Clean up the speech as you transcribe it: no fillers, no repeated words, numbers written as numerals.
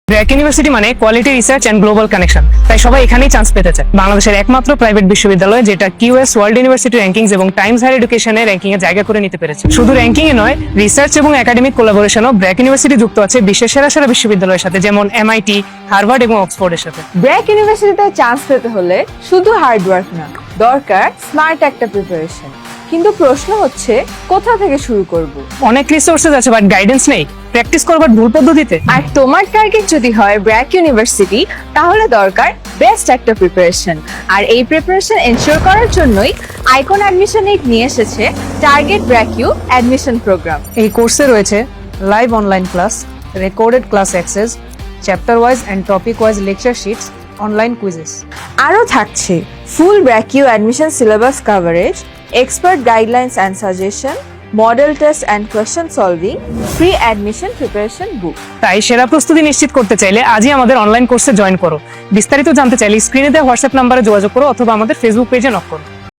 BRAC university মানে quality research and global connection, তাই সবাই এখানেই চান্স পেতে চায়। বাংলাদেশের একমাত্র প্রাইভেট বিশ্ববিদ্যালয় যেটা কিউএস ওয়ার্ল্ড ইউনিভার্সিটি র্যাঙ্কিংস এবং টাইমস হায়ার এডুকেশনের র্যাঙ্কিং এ জায়গা করে নিতে পেরেছে। শুধু র্যাঙ্কিং এ নয়, রিসার্চ এবং একাডেমিক কোলাবোরেশনও ব্র্যাক ইউনিভার্সিটি যুক্ত আছে বিশ্বের সেরা সেরা বিশ্ববিদ্যালয়ের সাথে, যেমন এমআইটি, হার্ভার্ড এবং অক্সফোর্ডের সাথে। ব্র্যাক ইউনিভার্সিটিতে চান্স পেতে হলে শুধু হার্ড ওয়ার্ক না, দরকার স্মার্ট একটা প্রিপারেশন। কিন্তু প্রশ্ন হচ্ছে কোথা থেকে শুরু করব? অনেক রিসোর্সেস আছে বাট গাইডেন্স নেই। প্র্যাকটিস করবার ভুল পদ্ধতিতে। আর তোমার টার্গেট যদি হয় ব্র্যাক ইউনিভার্সিটি, তাহলে দরকার বেস্ট একটা প্রিপারেশন। আর এই প্রিপারেশন এনশিওর করার জন্যই আইকন অ্যাডমিশন এইড নিয়ে এসেছে target BRAC U admission programme. এই কোর্সে রয়েছে live online class, recorded class access, chapter wise and topic wise lecture sheets, online quizzes. আরও থাকছে full BRAC U admission syllabus coverage, expert guidelines and suggestion, model test and question solving, free admission preparation book. তাই সেরা প্রস্তুতি নিশ্চিত করতে চাইলে আজই আমাদের অনলাইন কোর্সে জয়েন করো। বিস্তারিত জানতে চাইলে স্ক্রিনে দেওয়া হোয়াটসঅ্যাপ নাম্বারে যোগাযোগ করো অথবা আমাদের ফেসবুক পেজে নক করো।